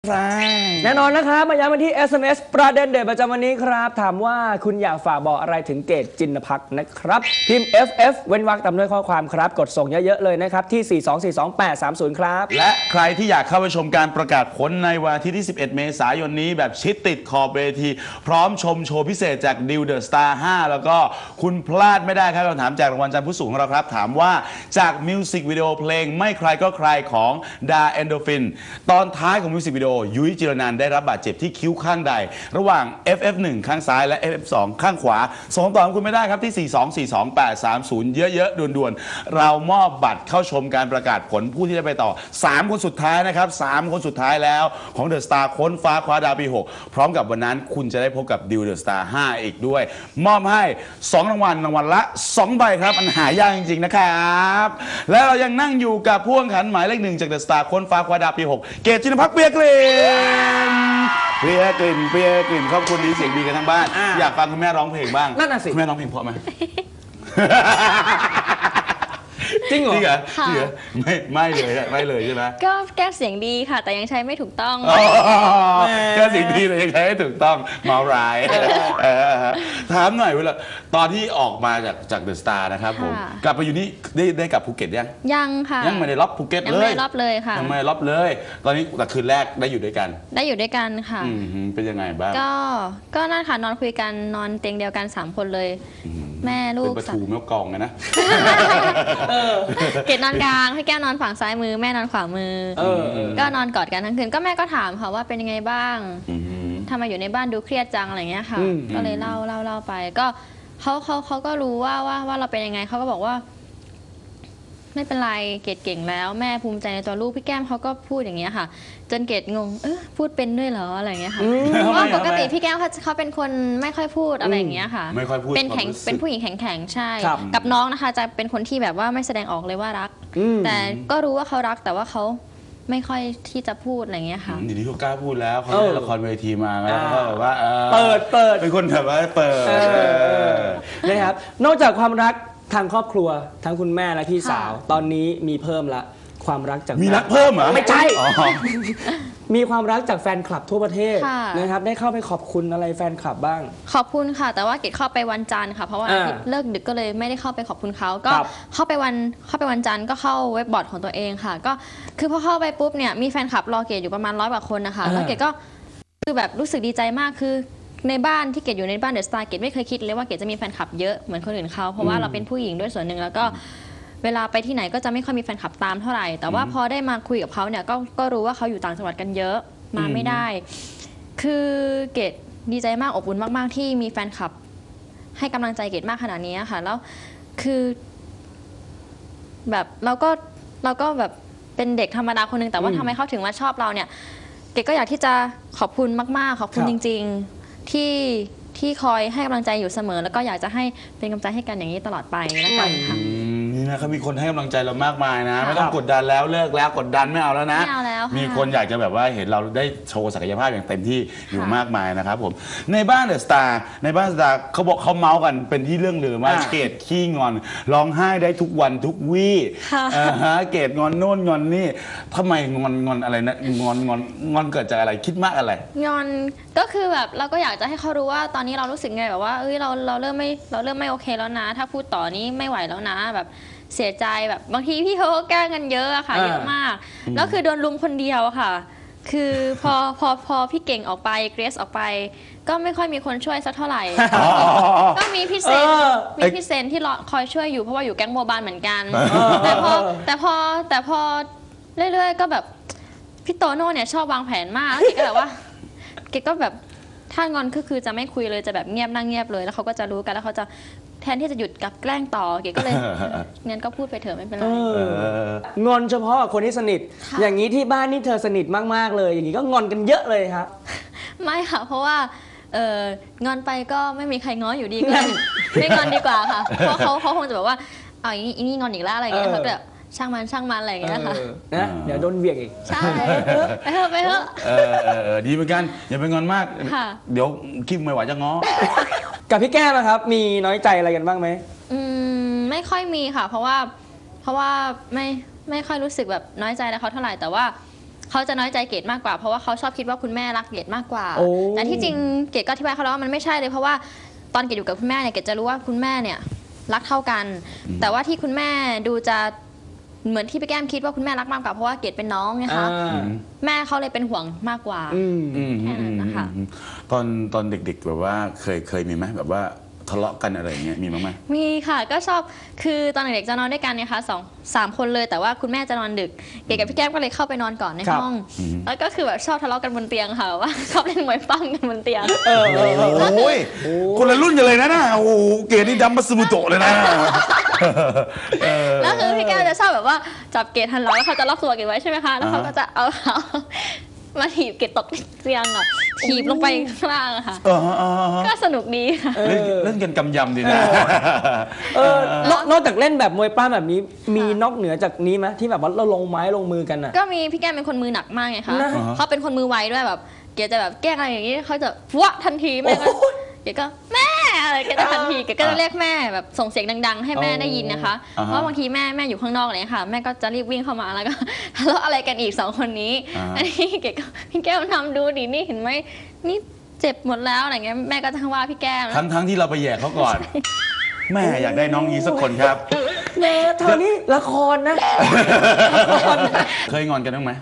แน่นอนนะครับมาย้ำกันที่ SMS ประเด็นเด็ดประจำวันนี้ครับถามว่าคุณอยากฝากบอกอะไรถึงเกตจินภักดิ์นะครับพิมพ์ FF เว้นวรรคตามด้วยข้อความครับกดส่งเยอะๆเลยนะครับที่ 4242830 ครับและใครที่อยากเข้าไปชมการประกาศผลในวันอาทิตย์ที่ 11 เมษายนนี้แบบชิดติดขอบเวทีพร้อมชมโชว์พิเศษจากดิวเดอะสตาร์ 5 แล้วก็คุณพลาดไม่ได้ครับคำถามจากรางวัลจันทร์ผู้สูงของเราครับถามว่าจากมิวสิกวิดีโอเพลงไม่ใครก็ใครของดาเอนโดฟินตอนท้ายของมิวสิกวิดีโอยุ้ยจิรนันท์ได้รับบาดเจ็บที่คิ้วข้างใดระหว่าง FF1 ข้างซ้ายและ FF2 ข้างขวาส่งต่อคุณไม่ได้ครับที่ 4242830 เยอะๆด่วนๆเรามอบบัตรเข้าชมการประกาศผลผู้ที่ได้ไปต่อ3คนสุดท้ายนะครับ3คนสุดท้ายแล้วของเดอะสตาร์ค้นฟ้าคว้าดาวปี6พร้อมกับวันนั้นคุณจะได้พบกับดิวเดอะสตาร์ 5 อีกด้วยมอบให้2รางวัลละ2ใบครับมันหายากจริงๆนะครับและเรายังนั่งอยู่กับผู้แข่งขันหมายเลข1จากเดอะสตาร์ค้นฟ้าคว้าดาวปี6เกตจินภักดิ์เปียกลิ่นเปียกลิ่นขอบคุณดีเสียงดีกันทั้งบ้านอยากฟังคุณแม่ร้องเพลงบ้างนั่นน่ะสิคุณแม่ร้องเพลงเพราะไหมจริงเหรอไม่เลยใช่ไหมก็แก้เสียงดีค่ะแต่ยังใช้ไม่ถูกต้องแก้เสียงดีแต่ยังใช้ไม่ถูกต้องเมาร้ายถามหน่อยเวลาตอนที่ออกมาจากเดอะสตาร์นะครับผมกลับไปอยู่นี่ได้กลับภูเก็ตยังค่ะยังไม่ได้ล็อบภูเก็ตเลยยังไม่ล็อบเลยค่ะยังไม่ล็อบเลยตอนนี้แต่คืนแรกได้อยู่ด้วยกันค่ะเป็นยังไงบ้างก็นั่นค่ะนอนคุยกันนอนเตียงเดียวกัน3คนเลยแม่ลูกเป็นประตูแม่กองไงนะเกดนอนกลางให้แก้วนอนฝั่งซ้ายมือแม่นอนขวามือก็นอนกอดกันทั้งคืนก็แม่ก็ถามค่ะว่าเป็นยังไงบ้างทำไมอยู่ในบ้านดูเครียดจังอะไรเงี้ยค่ะก็เลยเล่าไปก็เขาก็รู้ว่าเราเป็นยังไงเขาก็บอกว่าไม่เป็นไรเกดเก่งแล้วแม่ภูมิใจในตัวลูกพี่แก้มเขาก็พูดอย่างเงี้ยค่ะจนเกดงงพูดเป็นด้วยเหรออะไรเงี้ยค่ะเพราะว่าปกติพี่แก้มเขาเป็นคนไม่ค่อยพูดอะไรอย่างเงี้ยค่ะไม่ค่อยพูดเป็นผู้หญิงแข็งใช่กับน้องนะคะจะเป็นคนที่แบบว่าไม่แสดงออกเลยว่ารักแต่ก็รู้ว่าเขารักแต่ว่าเขาไม่ค่อยที่จะพูดอะไรเงี้ยค่ะดีที่เขากล้าพูดแล้วเขาเล่นละครเวทีมาแล้วก็แบบว่าเปิดเป็นคนแบบว่าเปิดนะครับนอกจากความรักทางครอบครัวทั้งคุณแม่และพี่สาวตอนนี้มีเพิ่มละความรักจากมีรักเพิ่มเหรอไม่ใช่มีความรักจากแฟนคลับทั่วประเทศนะครับได้เข้าไปขอบคุณอะไรแฟนคลับบ้างขอบคุณค่ะแต่ว่าเกดเข้าไปวันจันทร์ค่ะเพราะว่าเลิกดึกก็เลยไม่ได้เข้าไปขอบคุณเขาก็เข้าไปวันจันทร์ก็เข้าเว็บบอร์ดของตัวเองค่ะก็คือพอเข้าไปปุ๊บเนี่ยมีแฟนคลับรอเกดอยู่ประมาณ100 กว่าคนนะคะแล้วเกดก็คือแบบรู้สึกดีใจมากคือในบ้านที่เกดอยู่ในบ้านเดอะสตาร์เกดไม่เคยคิดเลยว่าเกดจะมีแฟนคลับเยอะเหมือนคนอื่นเขาเพราะว่าเราเป็นผู้หญิงด้วยส่วนหนึ่งแล้วก็เวลาไปที่ไหนก็จะไม่ค่อยมีแฟนคลับตามเท่าไหร่แต่ว่าพอได้มาคุยกับเขาเนี่ยก็รู้ว่าเขาอยู่ต่างจังหวัดกันเยอะมาไม่ได้คือเกดดีใจมากอบอุ่นมากๆที่มีแฟนคลับให้กำลังใจเกดมากขนาดนี้ค่ะแล้วคือแบบเราก็แบบเป็นเด็กธรรมดาคนหนึ่งแต่ว่าทำไมเขาถึงมาชอบเราเนี่ยเกดก็อยากที่จะขอบคุณมากๆขอบคุณจริงๆที่คอยให้กำลังใจอยู่เสมอแล้วก็อยากจะให้เป็นกำลังใจให้กันอย่างนี้ตลอดไปนะคะนี่นะครับมีคนให้กำลังใจเรามากมายนะไม่ต้องกดดันแล้วเลิกแล้วกดดันไม่เอาแล้วนะมีคนอยากจะแบบว่าเห็นเราได้โชว์ศักยภาพอย่างเต็มที่อยู่มากมายนะครับผมในบ้านเดอะสตาร์เขาบอกเขาเมาส์กันเป็นที่เรื่องลือว่าเกดขี้งอนร้องไห้ได้ทุกวันทุกวี่เกดงอนโน่นงอนนี่ทำไมงอนอะไรนะงอนเกิดจากอะไรคิดมากอะไรงอนก็คือแบบเราก็อยากจะให้เขารู้ว่าตอนนี้เรารู้สึกไงแบบว่าเราเริ่มไม่โอเคแล้วนะถ้าพูดต่อนี้ไม่ไหวแล้วนะแบบเสียใจแบบบางทีพี่เขาก็แกล้งกันเยอะอะค่ะเยอะมากแล้วคือโดนลุมคนเดียวค่ะคือพอพี่เก่งออกไปเกรซออกไปก็ไม่ค่อยมีคนช่วยสักเท่าไหร่ก็มีพี่เซนที่คอยช่วยอยู่เพราะว่าอยู่แก๊งโมบายเหมือนกันแต่พอเรื่อยๆก็แบบพี่โตโน่เนี่ยชอบวางแผนมากเกก็แบบว่าเกก็แบบถ้างอนคือจะไม่คุยเลยจะแบบเงียบนั่งเงียบเลยแล้วเขาก็จะรู้กันแล้วเขาจะแทนที่จะหยุดกับแกล้งต่อเก๋ก็เลยงั้นก็พูดไปเถอะไม่เป็นไรงอนเฉพาะคนที่สนิทอย่างนี้ที่บ้านนี่เธอสนิทมากๆเลยอย่างนี้ก็งอนกันเยอะเลยครับไม่ค่ะเพราะว่างอนไปก็ไม่มีใครง้ออยู่ดีก็ไม่งอนดีกว่าค่ะเพราะเขาคงจะแบบว่าเอาอย่างนี้อีนี่งอนอีกแล้วอะไรอย่างเงี้ยเขาแบบช่างมันอะไรอย่างเงี้ยค่ะนะเดี๋ยวโดนเบียกอีกใช่ไปเถอะดีเหมือนกันอย่าไปงอนมากเดี๋ยวคิดไม่ไหวจะง้อกับพี่แก้มนะครับมีน้อยใจอะไรกันบ้างไหมไม่ค่อยมีค่ะเพราะว่าไม่ค่อยรู้สึกแบบน้อยใจแล้วเขาเท่าไหร่แต่ว่าเขาจะน้อยใจเกดมากกว่าเพราะว่าเขาชอบคิดว่าคุณแม่รักเกดมากกว่าโอ้แต่ที่จริงเกดก็อธิบายเขาแล้วว่ามันไม่ใช่เลยเพราะว่าตอนเกดอยู่กับคุณแม่เนี่ยเกดจะรู้ว่าคุณแม่เนี่ยรักเท่ากัน แต่ว่าที่คุณแม่ดูจะเหมือนที่พี่แก้มคิดว่าคุณแม่รักมากกว่าเพราะว่าเกดเป็นน้องนะคะ แม่เขาเลยเป็นห่วงมากกว่า แค่นั้นนะคะตอนเด็กๆแบบว่าเคยมีไหมแบบว่าทะเลาะกันอะไรอย่างเงี้ยมีบ้างไหมมีค่ะก็ชอบคือตอนเด็กๆจะนอนด้วยกันเนี่ยค่ะสามคนเลยแต่ว่าคุณแม่จะนอนดึกเก๋กับพี่แก้มก็เลยเข้าไปนอนก่อนในห้องแล้วก็คือแบบชอบทะเลาะกันบนเตียงค่ะว่าชอบเล่นมวยปั้มกันบนเตียงโอ้ยคนละรุ่นกันเลยนะโอ้โหเกดนี่ดัมบัสมุโตะเลยนะแล้วคือพี่แก้มจะชอบแบบว่าจับเกดหันหลังแล้วเขาจะล็อกตัวเกดไว้ใช่ไหมคะแล้วเขาก็จะเอาเท้ามาถีบเกดตกเตียงอ่ะถีบลงไปข้างล่างอะค่ะก็สนุกดีค่ะเล่นกันกำยำดีนะนอกจากเล่นแบบมวยปล้ำแบบนี้มีนอกเหนือจากนี้ไหมที่แบบว่าเราลงไม้ลงมือกันอ่ะก็มีพี่แก้มเป็นคนมือหนักมากไงคะนะเขาเป็นคนมือไวด้วยแบบเกดจะแบบแกล้งอะไรอย่างนี้เขาจะวะทันทีแม่ก็เกดก็แม่อะไรเกดจะทันทีเกดก็จะเรียกแม่แบบส่งเสียงดังๆให้แม่ได้ยินนะคะเพราะบางทีแม่อยู่ข้างนอกอะไรค่ะแม่ก็จะรีบวิ่งเข้ามาแล้วก็ทะเลาะอะไรกันอีก2คนนี้อันนี้เกดก็พี่แก้มทำดูดินี่เห็นไหมนี่เจ็บหมดแล้วอะไรเงี้ยแม่ก็จะว่าพี่แก้มทั้งที่เราไปแย่เขาก่อน แม่อยากได้น้องยีสักคนครับแม่เธอนี่ละครนะเคยงอนกันบ้างไหม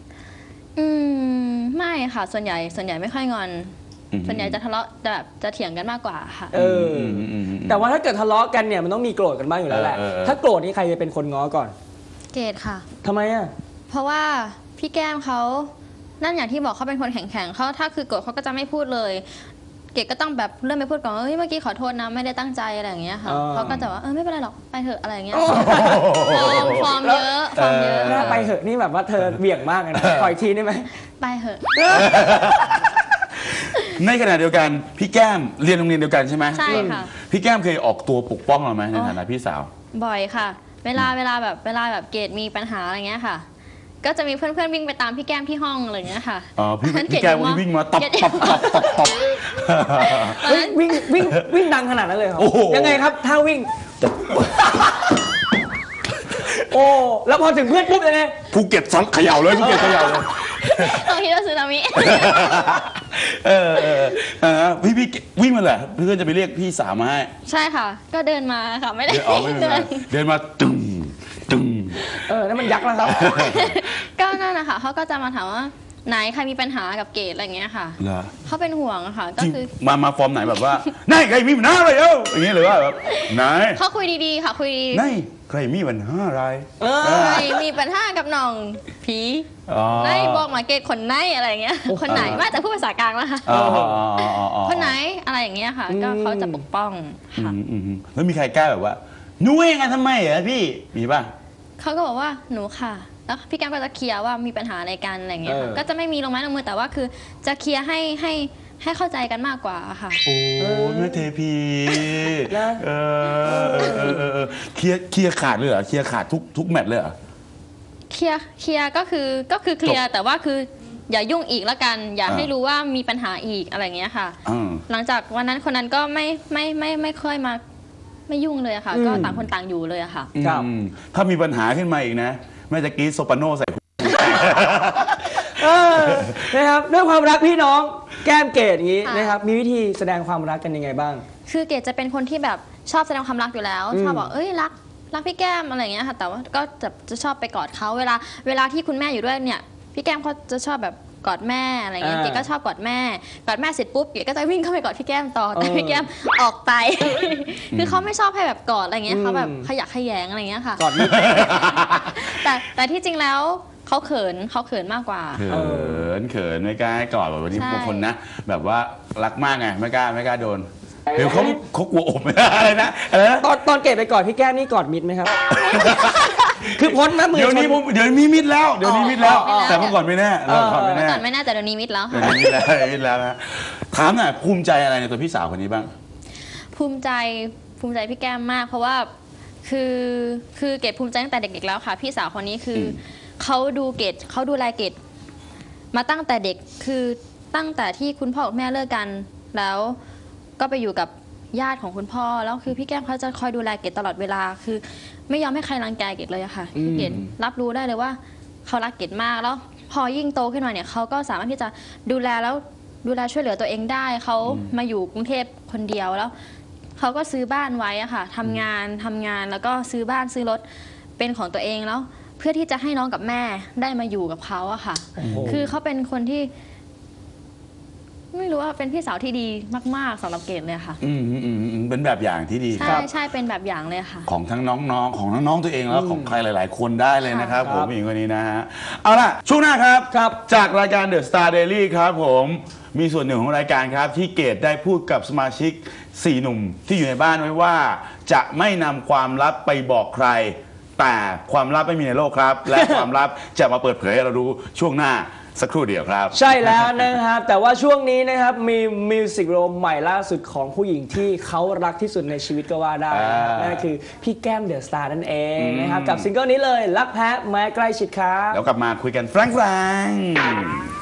ไม่ค่ะส่วนใหญ่ไม่ค่อยงอน ส่วนใหญ่จะทะเลาะแบบจะเถียงกันมากกว่าค่ะแต่ว่าถ้าเกิดทะเลาะกันเนี่ยมันต้องมีโกรธกันบ้างอยู่แล้วแหละถ้าโกรธนี่ใครจะเป็นคนง้อก่อนเกดค่ะทำไมอ่ะเพราะว่าพี่แก้มเขานั่นอย่างที่บอกเขาเป็นคนแข็งๆเขาถ้าคือโกรธเขาก็จะไม่พูดเลย เกดก็ต้องแบบเริ่มไปพูดก่อนเฮ้ยเมื่อกี้ขอโทษนะไม่ได้ตั้งใจอะไรอย่างเงี้ยค่ะเขาก็จะว่าไม่เป็นไรหรอกไปเถอะอะไรอย่างเงี้ยฟอร์มเยอะหน้าไปเหอะนี่แบบว่าเธอเบี่ยงมากเลยนะขออีกทีได้ไหมไปเถอะในขณะเดียวกันพี่แก้มเรียนโรงเรียนเดียวกันใช่ไหมใช่ค่ะพี่แก้มเคยออกตัวปกป้องเราไหมในฐานะพี่สาวบ่อยค่ะ เวลาแบบเกดมีปัญหาอะไรเงี้ยค่ะ ก็จะมีเพื่อนๆวิ่งไปตามพี่แก้มที่ห้องอะไรเงี้ยค่ะอ๋อพี่แก้มวิ่งมาตบเฮ้ยวิ่งดังขนาดนั้นเลยเหรอโอ้โหยังไงครับถ้าวิ่ง โอ้แล้วพอถึงเพื่อนปุ๊บยังไงภูเก็ตซ้อนเขย่าเลยภูเก็ตเขย่าเลยต้องคิดว่าสึนามิพี่วิ่งมาเหรอเพื่อนจะไปเรียกพี่สาวมาให้ใช่ค่ะ ก็เดินมาค่ะไม่ได้เดินมาตึงตึงนั่นมันยักษ์แล้วครับก็นั่นนะคะเขาก็จะมาถามว่าไหนใครมีปัญหากับเกดอะไรเงี้ยค่ะเหรอเขาเป็นห่วงอะค่ะ ก็จริงคือมาฟอร์มไหนแบบว่าไหนใครมีปัญหาอะไรอย่างเงี้ยหรือว่าแบบไหนเขาคุยดีๆค่ะคุยไหนใครมีปัญหาอะไรใครมีปัญหากับน้องผีไหนบอกมาเกดคนไหนอะไรเงี้ยคนไหนมาจากพูดภาษากลางแล้วค่ะคนไหนอะไรอย่างเงี้ยค่ะ ก็เขาจะปกป้องค่ะแล้วมีใครกล้าแบบว่าหนูเองอะทำไมอะพี่มีป่ะเขาก็บอกว่าหนูค่ะแล้วพี่แก้มก็จะเคลียร์ว่ามีปัญหาอะไรกันอะไรเงี้ยค่ะก็จะไม่มีลงไม้ลงมือแต่ว่าคือจะเคลียร์ให้เข้าใจกันมากกว่าค่ะโอ้แม่เทพีเคลียร์ขาดเลยเหรอเคลียร์ขาดทุกแมตช์เลยเหรอเคลียร์ก็คือเคลียร์แต่ว่าคืออย่ายุ่งอีกแล้วกัน อย่าให้รู้ว่ามีปัญหาอีกอะไรเงี้ยค่ะหลังจากวันนั้นคนนั้นก็ไม่ค่อยมาไม่ยุ่งเลยค่ะ ก็ต่างคนต่างอยู่เลยอะค่ะถ้ามีปัญหาขึ้นมาอีกนะแม่จะกรีดโซปราโนใส่นะครับด้วยความรักพี่น้องแก้มเกดอย่างนี้นะครับมีวิธีแสดงความรักกันยังไงบ้างคือเกดจะเป็นคนที่แบบชอบแสดงความรักอยู่แล้วชอบบอกรักพี่แก้มอะไรอย่างเงี้ยค่ะแต่ว่าก็จะชอบไปกอดเขาเวลาที่คุณแม่อยู่ด้วยเนี่ยพี่แก้มเขาจะชอบแบบกอดแม่อะไรเงี้ยเกดก็ชอบกอดแม่เสร็จปุ๊บเกดก็จะวิ่งเข้าไปกอดพี่แก้มต่อแต่พี่แก้มออกไป คือเขาไม่ชอบให้แบบกอดอะไรเงี้ยเขาแบบขยะแขยงอะไรเงี้ยค่ะกอดไม่แต่ที่จริงแล้วเขาเขินมากกว่าเขินไม่กล้าให้กอดแบบวันนี้บางคนนะแบบว่ารักมากไงไม่กล้าโดนเดี๋ยวเขากลัวอบไม่ได้อะไรนะตอนเกดไปกอดพี่แก้มนี่กอดมิดไหมครับ คือพ้นนะมือเดี๋ยวนี้มิดแล้วแต่เมื่อก่อนไม่แน่เมื่อก่อนไม่แน่แต่เดี๋ยวนี้มิดแล้วค่ะมิดแล้วนะถามหน่อยภูมิใจอะไรในตัวพี่สาวคนนี้บ้างภูมิใจพี่แก้มมากเพราะว่าคือเกดภูมิใจตั้งแต่เด็กๆแล้วค่ะพี่สาวคนนี้คือเขาดูแลเกดมาตั้งแต่เด็กคือตั้งแต่ที่คุณพ่อกับแม่เลิกกันแล้วก็ไปอยู่กับญาติของคุณพ่อแล้วคือพี่แก้มเขาจะคอยดูแลเกดตลอดเวลาคือไม่ยอมให้ใครรังแกเกดเลยอะค่ะเกดรับรู้ได้เลยว่าเขารักเกดมากแล้วพพอยิ่งโตขึ้นมาเนี่ยเขาก็สามารถที่จะดูแลช่วยเหลือตัวเองได้เขามาอยู่กรุงเทพคนเดียวแล้วเขาก็ซื้อบ้านไว้อะค่ะทำงานแล้วก็ซื้อบ้านซื้อรถเป็นของตัวเองแล้ว เพื่อที่จะให้น้องกับแม่ได้มาอยู่กับเขาอะค่ะ คือเขาเป็นคนที่ ไม่รู้ว่าเป็นพี่สาวที่ดีมากๆสำหรับเกดเลยค่ะเป็นแบบอย่างที่ดีคใช่รับใช่เป็นแบบอย่างเลยค่ะของทั้งน้องๆของน้องๆตัวเองแล้วของใครหลาย ๆ คนได้เลยนะครับค่ะผมผู้หญิงคนนี้นะฮะเอาล่ะช่วงหน้าครับ จากรายการ The Star Daily ครับผมมีส่วนหนึ่งของรายการครับที่เกดได้พูดกับสมาชิก 4 หนุ่มที่อยู่ในบ้านไว้ว่า จะไม่นำความลับไปบอกใคร แต่ความลับไม่มีในโลกครับ และความลับจะมาเปิดเผยให้เรารู้ช่วงหน้าสักครู่เดียวครับใช่แล้วนะครับ แต่ว่าช่วงนี้นะครับมีมิวสิกวิดีโอใหม่ล่าสุดของผู้หญิงที่เขารักที่สุดในชีวิตก็ว่าได้นะครับนั่นก็คือพี่แก้มเดอะสตาร์นั่นเองนะครับกับซิงเกิลนี้เลยรักแพ้แม้ใกล้ชิดครับแล้วกลับมาคุยกันแฟรง